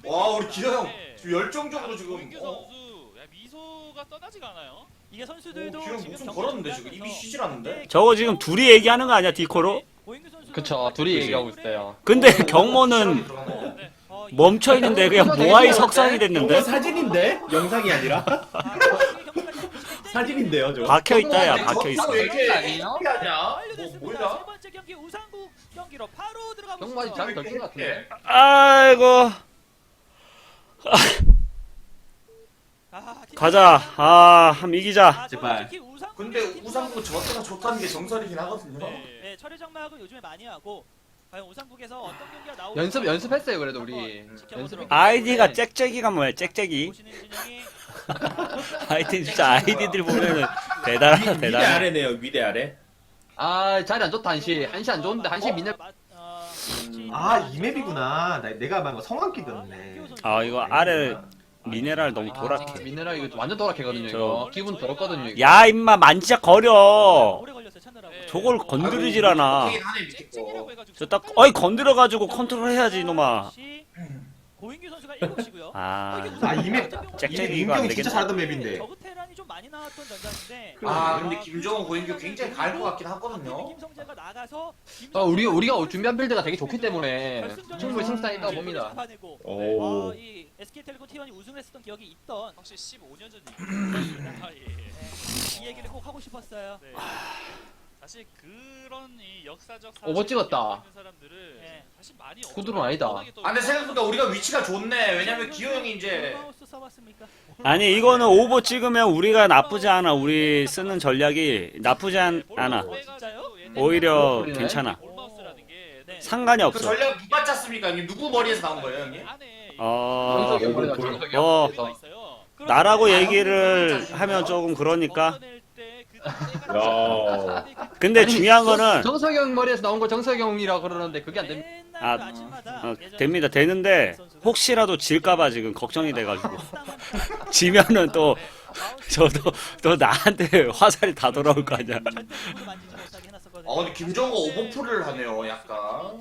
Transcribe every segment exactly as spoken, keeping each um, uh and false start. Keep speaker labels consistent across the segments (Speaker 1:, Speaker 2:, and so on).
Speaker 1: 와 우리 기아 형 지금 열정적으로 지금
Speaker 2: 고인규
Speaker 1: 어?
Speaker 2: 선수 야, 미소가 떠나지가 않아요.
Speaker 3: 이게 선수들도
Speaker 1: 오, 기아 형
Speaker 3: 지금
Speaker 1: 목숨
Speaker 3: 경기
Speaker 1: 걸었는데 지금
Speaker 3: 준비하면서
Speaker 1: 입이 쉬질 않는데?
Speaker 4: 저거 지금 둘이 얘기하는 거 아니야 디코로?
Speaker 3: 고인규 선수는
Speaker 5: 그쵸,
Speaker 3: 정말
Speaker 5: 둘이
Speaker 3: 좋은
Speaker 5: 얘기하고
Speaker 3: 시도를
Speaker 5: 있어요.
Speaker 4: 근데
Speaker 1: 오,
Speaker 4: 경모는
Speaker 1: 들어가네.
Speaker 3: 네. 어, 이-
Speaker 4: 멈춰 있는데 그냥 모아이 석상이
Speaker 6: 이거
Speaker 4: 됐는데
Speaker 6: 사진인데? 영상이 아니라?
Speaker 3: 아, 경기까지 굉장히
Speaker 6: 사진인데요, 저거.
Speaker 4: 박혀 있다 야
Speaker 1: 근데
Speaker 4: 박혀
Speaker 1: 저
Speaker 4: 있어.
Speaker 1: 왜 이렇게
Speaker 5: 아니에요?
Speaker 1: 하냐? 뭐
Speaker 3: 완료됐습니다.
Speaker 1: 뭐야?
Speaker 3: 세 번째 경기 우상국 경기로 바로 들어가 보시죠.
Speaker 5: 경마지 잘 덜킨 것 같은데.
Speaker 4: 아이고
Speaker 3: 아,
Speaker 4: 가자. 아 한번 이기자.
Speaker 3: 아,
Speaker 6: 제발.
Speaker 3: 특히 우상국
Speaker 1: 근데
Speaker 3: 팀
Speaker 1: 우상국 저 때가 좋다는 게 정설이긴 하거든요.
Speaker 2: 네.
Speaker 3: 네, 철의 장막을 요즘에 많이 하고 과연 우상국에서 어떤 경기가 나올지
Speaker 5: 연습 연습했어요 그래도 우리.
Speaker 3: 한번 지켜보도록
Speaker 5: 연습.
Speaker 3: 하겠습니다.
Speaker 4: 아이디가 짹짹이가 뭐야 짹짹이.
Speaker 3: 보시는 진영이
Speaker 4: 하여튼 진짜 아이디들 보면은 대단하다
Speaker 6: 위대
Speaker 4: 대단해.
Speaker 6: 아래네요, 위대 아래.
Speaker 5: 아 자리 안 좋다 한시. 한시 안 좋은데 한시 민네.
Speaker 3: 마- 어,
Speaker 6: 아, 이 맵이구나. 나, 내가 말한 거 성황기 떴네.
Speaker 4: 아 이거 아래 미네랄 너무
Speaker 5: 아,
Speaker 4: 도락해.
Speaker 5: 미네랄 이거 완전 도락해거든요 이거. 기분 더럽거든요 이거.
Speaker 4: 야 임마 만지작 거려.
Speaker 3: 오래 걸렸어요 찾느라고.
Speaker 4: 저걸 건드리질 않아.
Speaker 1: 하긴 하네 밑에
Speaker 2: 쨍쨍이라고
Speaker 1: 거.
Speaker 2: 해가지고
Speaker 4: 저 딱 어이 건드려가지고 컨트롤 해야지 이놈아.
Speaker 3: 고인규 선수가 일곱 시고요.
Speaker 4: 아
Speaker 6: 아, 이 맵.
Speaker 4: 짹짹이
Speaker 6: 이
Speaker 4: 이거 안
Speaker 6: 민경이 진짜
Speaker 4: 되겠다.
Speaker 6: 잘하던 맵인데.
Speaker 3: 저그 테란이 좀 많이 나왔던 전장인데.
Speaker 1: 아 근데 김정은 고인규 굉장히 갈 것 같긴 하거든요.
Speaker 3: 김성재가 나가서
Speaker 5: 아 우리 우리가 준비한 빌드가 되게 좋기 때문에 충분히 승산이 있다고 봅니다.
Speaker 3: 잡아내고
Speaker 6: 오.
Speaker 3: 어, 이 에스케이텔레콤 티원이 우승했었던 기억이 있던
Speaker 2: 확실히 십오 년 전 얘기입니다. 아, 예.
Speaker 3: 네, 이 얘기를 꼭 하고 싶었어요.
Speaker 2: 네. 사실 그런 이 역사적
Speaker 5: 오버 찍었다.
Speaker 2: 사실을 있는 사람들을
Speaker 3: 네.
Speaker 2: 사실 많이
Speaker 5: 구두는 아니다.
Speaker 2: 워낙에 또
Speaker 1: 아 근데 생각보다 우리가 위치가 좋네. 왜냐면 기호 형이 이제
Speaker 3: 마우스 써봤습니까?
Speaker 4: 아니 이거는 오버 찍으면 우리가 나쁘지 않아. 우리 쓰는 전략이 나쁘지 않, 않아.
Speaker 2: 볼마우스
Speaker 3: 진짜요?
Speaker 2: 해가지고 얘네
Speaker 4: 오히려
Speaker 5: 그러네.
Speaker 4: 괜찮아.
Speaker 2: 볼마우스라는 게
Speaker 3: 네.
Speaker 4: 상관이
Speaker 1: 그
Speaker 4: 없어.
Speaker 1: 전략 누가 짰습니까? 형님 누구 머리에서 나온 거예요 형님?
Speaker 2: 안에
Speaker 4: 어
Speaker 5: 정석이 형 그래요,
Speaker 6: 볼-
Speaker 5: 정석이
Speaker 4: 어.
Speaker 5: 형. 그래서.
Speaker 2: 있어요.
Speaker 4: 나라고
Speaker 1: 아,
Speaker 4: 얘기를 하면 조금 그러니까.
Speaker 2: 벗어낼 때 그
Speaker 6: 야.
Speaker 4: 근데
Speaker 5: 아니,
Speaker 4: 중요한
Speaker 5: 정-
Speaker 4: 거는
Speaker 5: 정석이 형 머리에서 나온 거 정석이 형이라 그러는데 그게 안 됩니다.
Speaker 3: 맨날
Speaker 4: 아,
Speaker 3: 그 아침마다
Speaker 4: 어,
Speaker 3: 예전에
Speaker 4: 됩니다. 되는데 혹시라도 질까봐 지금 걱정이 돼가지고 지면은 또 저도 또 나한테 화살이 다 돌아올 거 아니야.
Speaker 3: 절대 누구도 만지지 못하게 해놨었거든요.
Speaker 1: 아 근데 김정은 오버풀을 하네요 약간.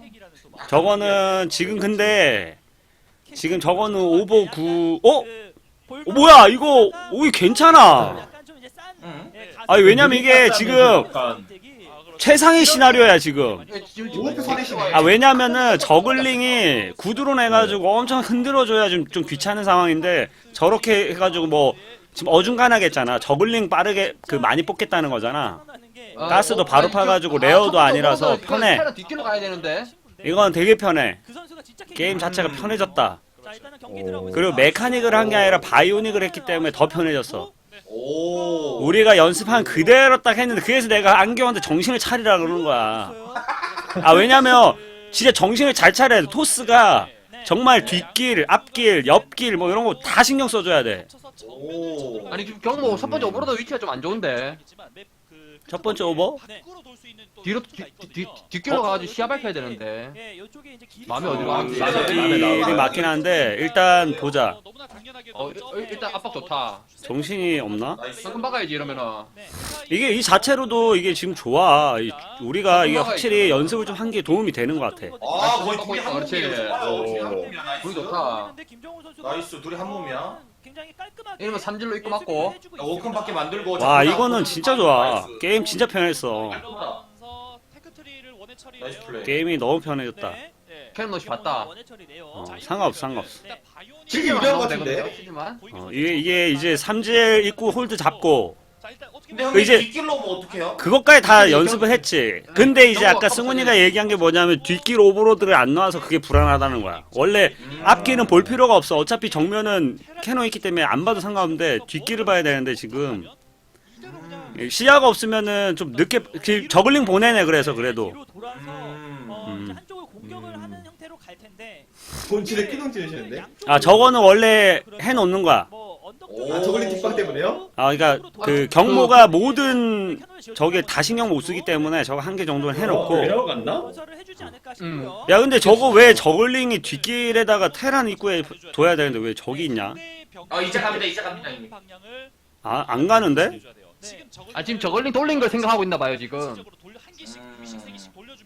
Speaker 4: 저거는 지금 근데 지금 저거는 오버 구 어?
Speaker 3: 그
Speaker 4: 어 뭐야 이거 오이 괜찮아.
Speaker 3: 약간 좀 이제 싼,
Speaker 1: 응.
Speaker 3: 예, 가슴-
Speaker 4: 아니 왜냐면 이게 지금
Speaker 6: 약간
Speaker 4: 최상의 시나리오야 지금.
Speaker 6: 오프 선이시네.
Speaker 4: 아 왜냐면은 저글링이 구드론 해가지고 엄청 흔들어줘야 좀, 좀 귀찮은 상황인데 저렇게 해가지고 뭐 지금 어중간하겠잖아. 저글링 빠르게 그 많이 뽑겠다는 거잖아.
Speaker 5: 아,
Speaker 4: 가스도
Speaker 5: 어,
Speaker 4: 바로
Speaker 5: 아니,
Speaker 4: 파가지고
Speaker 5: 그-
Speaker 4: 레어도
Speaker 5: 아,
Speaker 4: 아니라서
Speaker 5: 첫 번째
Speaker 4: 편해.
Speaker 5: 테란 뒷길로 가야 되는데.
Speaker 4: 이건 되게 편해.
Speaker 3: 그 선수가 진짜
Speaker 4: 게임 자체가 편해졌다.
Speaker 3: 자, 일단은 경기 들어가고
Speaker 4: 그리고
Speaker 3: 있습니다.
Speaker 4: 메카닉을 한 게 아니라 바이오닉을 했기 때문에 더 편해졌어.
Speaker 1: 오.
Speaker 4: 우리가 연습한 그대로 딱 했는데 그래서 내가 안경한테 정신을 차리라 그러는 거야. 아 왜냐면 진짜 정신을 잘 차려야 돼. 토스가 정말 뒷길, 앞길, 옆길 뭐 이런 거 다 신경 써줘야 돼.
Speaker 1: 오.
Speaker 5: 아니 지금 경모 첫 번째 오버로드 위치가 좀 안 좋은데.
Speaker 4: 첫 번째 오버?
Speaker 5: 뒤로 뒤, 뒤, 뒷길로 가가지고 시야 밝혀야 되는데.
Speaker 3: 예, 요쪽에 이제 길이
Speaker 5: 마음에
Speaker 3: 좀-
Speaker 5: 어디로 가는지.
Speaker 6: 맞아.
Speaker 4: 길이 맞긴 한데 일단 보자.
Speaker 5: 어, 어, 일단 압박 좋다.
Speaker 4: 정신이 없나?
Speaker 1: 나이스.
Speaker 5: 방금 박아야지 이러면은.
Speaker 3: 네.
Speaker 4: 이게 이 자체로도 이게 지금 좋아. 이- 우리가 이게 확실히 연습을 좀 한 게 도움이 되는 것 같아.
Speaker 1: 아 거의 둘이 한
Speaker 5: 그렇지.
Speaker 1: 몸이에요. 좋아요.
Speaker 6: 오.
Speaker 1: 둘이 한 몸이야. 나이스.
Speaker 5: 불이 좋다.
Speaker 3: 김정우 선수가
Speaker 1: 나이스 둘이 한 몸이야.
Speaker 3: 굉장히 깔끔하게
Speaker 5: 이러면 삼질로 입고
Speaker 3: 예,
Speaker 5: 맞고.
Speaker 3: 수비를 해주고
Speaker 1: 야, 워컨밖에
Speaker 3: 있습니다.
Speaker 1: 만들고.
Speaker 4: 와
Speaker 1: 자꾸
Speaker 4: 이거는
Speaker 1: 나오고.
Speaker 4: 진짜 좋아.
Speaker 1: 나이스.
Speaker 4: 게임 진짜 편했어.
Speaker 1: 나이스 플레이.
Speaker 4: 게임이 너무 편해졌다.
Speaker 3: 네.
Speaker 5: 캐논 넣이 봤다.
Speaker 3: 원해 처리네요.
Speaker 4: 어, 상관없어 상관없어.
Speaker 3: 네.
Speaker 6: 되게 유리한 것
Speaker 5: 되거든요,
Speaker 6: 같은데?
Speaker 5: 치지만.
Speaker 4: 어, 이게 이게 이제 삼질 입구 홀드 잡고
Speaker 1: 근데 형님
Speaker 4: 이제-
Speaker 1: 뒷길로 뭐 어떡해요?
Speaker 4: 그것까지 다 연습을 했지. 근데 이제 아까 승훈이가 얘기한 게 뭐냐면 뒷길 오버로드를 안 넣어서 그게 불안하다는 거야. 원래 앞길은 볼 필요가 없어. 어차피 정면은 캐논 있기 때문에 안 봐도 상관없는데 뒷길을 봐야 되는데 지금 시야가 없으면은 좀 늦게 그 저글링 보내네. 그래서 그래도
Speaker 3: 뒤로 돌아서
Speaker 1: 음.
Speaker 3: 어, 이제
Speaker 4: 음.
Speaker 3: 한쪽을 공격을
Speaker 4: 음.
Speaker 3: 하는 형태로 갈 텐데
Speaker 6: 본질에 끼동 찌르시는데?
Speaker 4: 아 저거는 원래 해놓는 거야.
Speaker 3: 뭐 언덕
Speaker 1: 오.
Speaker 3: 쪽에
Speaker 6: 아, 저글링 뒷방 때문에요?
Speaker 4: 아 그러니까 그 경모가 모든 저게 다 신경 못 쓰기 때문에 저거 한 개 정도는 해놓고.
Speaker 6: 내려갔나
Speaker 3: 건설을 해주지 않을까 싶고요.
Speaker 4: 야 근데 저거 왜 저글링이 뒷길에다가 테란 입구에 둬야 되는데 왜 저기 있냐?
Speaker 1: 아 이제 갑니다 이제 갑니다 형님.
Speaker 4: 아 안 가는데?
Speaker 5: 아 지금 저걸링 돌린 걸 생각하고 있나 봐요 지금.
Speaker 1: 음.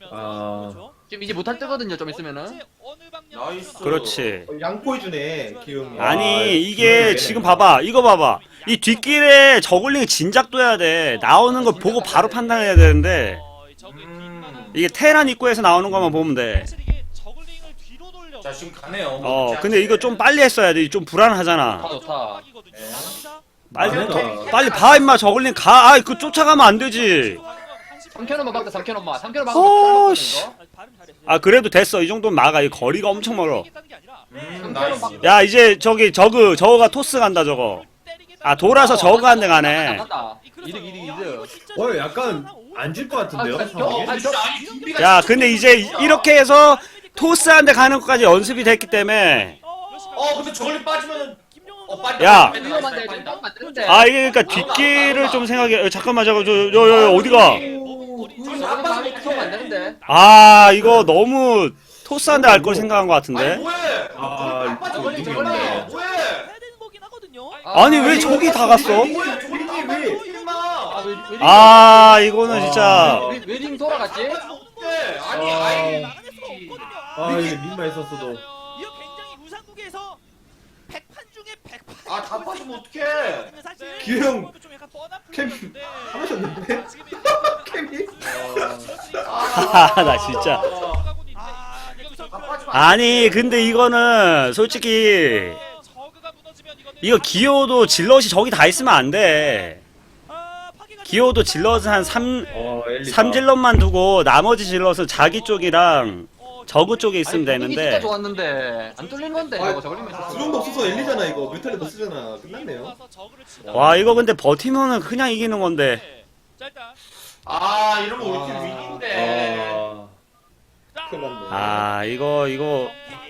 Speaker 6: 아.
Speaker 3: 그렇죠.
Speaker 5: 지금 이제 못할 때거든요. 좀 있으면은.
Speaker 3: 언제 어느 방향으로
Speaker 1: 나이스.
Speaker 4: 그렇지.
Speaker 6: 어, 양보해주네 기용이. 아,
Speaker 4: 아니 이게
Speaker 6: 기용이네.
Speaker 4: 지금 봐봐 이거 봐봐 이 뒷길에 저글링 진작 둬야 돼. 나오는 거 보고 바로 판단해야 되는데
Speaker 3: 어, 이 적의
Speaker 1: 음.
Speaker 3: 뒷마당
Speaker 4: 이게 테란 입구에서 나오는 것만 보면 돼.
Speaker 3: 사실 이게 저글링을 뒤로 돌려.
Speaker 1: 자 지금 가네요.
Speaker 4: 어 근데 이거 좀 빨리 했어야 돼. 좀 불안하잖아.
Speaker 5: 좋다 좋다.
Speaker 1: 네.
Speaker 4: 빨리
Speaker 6: 그러니까.
Speaker 4: 빨리 봐 임마 저글링 가. 아이 그 쫓아가면 안 되지.
Speaker 5: 삼 캔원만 박다 삼 캔원만. 삼 캔원
Speaker 4: 어,
Speaker 5: 박으면
Speaker 4: 씨.
Speaker 5: 이거.
Speaker 4: 아 그래도 됐어. 이 정도는 막아. 이 거리가 엄청 멀어.
Speaker 1: 음, 나이스.
Speaker 4: 야 이제 저기 저그 저거가 토스 간다 저거. 아 돌아서 저거 한 대 가네.
Speaker 5: 간다. 이득 이득 이득.
Speaker 6: 어 약간 안 질 것 같은데요?
Speaker 5: 아,
Speaker 6: 상황이?
Speaker 5: 아니,
Speaker 1: 진짜 아니 준비가
Speaker 4: 야
Speaker 1: 진짜
Speaker 4: 근데 이제
Speaker 1: 진짜.
Speaker 4: 이렇게 해서 토스 한 대 가는 것까지 연습이 됐기 때문에
Speaker 1: 어 근데 저걸리 빠지면은 어 빠진다.
Speaker 4: 야.
Speaker 1: 빠진다,
Speaker 5: 위험한데
Speaker 1: 빠진다,
Speaker 5: 좀 안 되는데.
Speaker 4: 아 이게 그러니까 뒷길을 좀 생각해. 어, 잠깐만 잠깐 저저저 어디가?
Speaker 1: 저기서 안
Speaker 5: 저거
Speaker 1: 빠지면
Speaker 5: 마음이 크면 안 되는데.
Speaker 4: 아 이거 너무 토스 한 대 할 걸 생각한 것
Speaker 1: 아니
Speaker 4: 같은데.
Speaker 1: 뭐해?
Speaker 6: 아,
Speaker 1: 안 빠지면
Speaker 5: 저걸리,
Speaker 1: 이기면
Speaker 5: 저걸리.
Speaker 1: 뭐해? 뭐해?
Speaker 3: 해야 되는 거긴 하거든요.
Speaker 4: 아니 왜 저기 다 갔어?
Speaker 1: 뭐야 저걸리 안
Speaker 6: 왜?
Speaker 1: 빠져 임마.
Speaker 5: 아, 왜, 왜,
Speaker 4: 아 이거는 진짜
Speaker 5: 왜, 왜 링 돌아갔지?
Speaker 1: 어떡해. 아니
Speaker 6: 아.
Speaker 1: 아이.
Speaker 3: 나가낼 수가 없거든요.
Speaker 6: 아 이게 민마 있었어도.
Speaker 3: 이거 굉장히 우상국에서 백판 중에 백판.
Speaker 1: 아, 다 빠지면 어떡해.
Speaker 3: 사실
Speaker 6: 기회형
Speaker 3: 좀 약간 뻔한
Speaker 6: 캠
Speaker 3: 플레이였는데
Speaker 6: 하셨는데?
Speaker 3: 지금
Speaker 6: 캠이?
Speaker 4: 아, 나 진짜.
Speaker 3: 아, 네, 우선
Speaker 1: 다 빠지면 안
Speaker 4: 아니 근데 이거는 솔직히
Speaker 3: 저그가 무너지면 이거는
Speaker 4: 이거 기호도 질럿이 저기 다 있으면 안 돼.
Speaker 3: 아, 파괴가
Speaker 4: 기호도 질럿은 한 삼
Speaker 6: 어 엘리.
Speaker 4: 삼 질럿만 두고 나머지 질럿은 자기 쪽이랑 저그 쪽에 있으면
Speaker 5: 아니, 분위기 진짜
Speaker 4: 되는데.
Speaker 5: 좋았는데 안 뚫린 건데
Speaker 6: 아,
Speaker 5: 저거 저걸리면
Speaker 6: 그 정도 없어서 엘리잖아 이거. 뮤탈리 더 쓰잖아. 끝났네요.
Speaker 4: 와 이거 근데 버티면은 그냥 이기는 건데.
Speaker 3: 자, 일단
Speaker 1: 아 이러면 우리 팀 위기인데.
Speaker 6: 아. 큰일 났네.
Speaker 4: 아 이거 이거